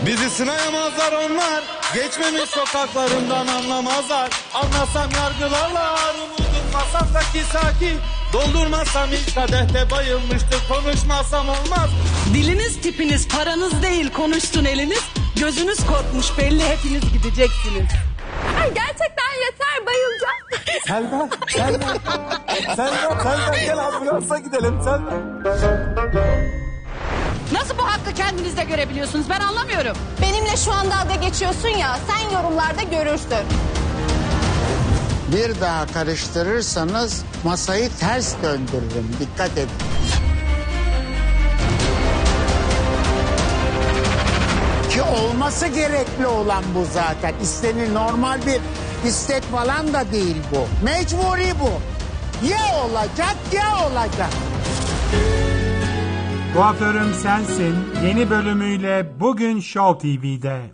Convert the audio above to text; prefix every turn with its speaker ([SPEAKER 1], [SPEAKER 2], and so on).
[SPEAKER 1] Bizi sınayamazlar onlar, geçmemiş sokaklarından anlamazlar. Anlasam yargılarlar, umudum masamdaki sakin. Doldurmazsam ilk kadehte bayılmıştır, konuşmazsam olmaz.
[SPEAKER 2] Diliniz tipiniz paranız değil, konuşsun eliniz. Gözünüz korkmuş belli, hepiniz gideceksiniz.
[SPEAKER 3] Ay gerçekten yeter, bayılacağım.
[SPEAKER 4] Selma gel ambulansa gidelim Selma.
[SPEAKER 2] Nasıl bu hakkı kendinizde görebiliyorsunuz, ben anlamıyorum.
[SPEAKER 3] Benimle şu anda dalga geçiyorsun ya, sen yorumlarda görürsün.
[SPEAKER 5] Bir daha karıştırırsanız masayı ters döndürürüm. Dikkat edin. Ki olması gerekli olan bu zaten. İstenir, normal bir istek falan da değil bu. Mecburi bu. Ya olacak ya olacak.
[SPEAKER 6] Kuaförüm Sensin yeni bölümüyle bugün Show TV'de.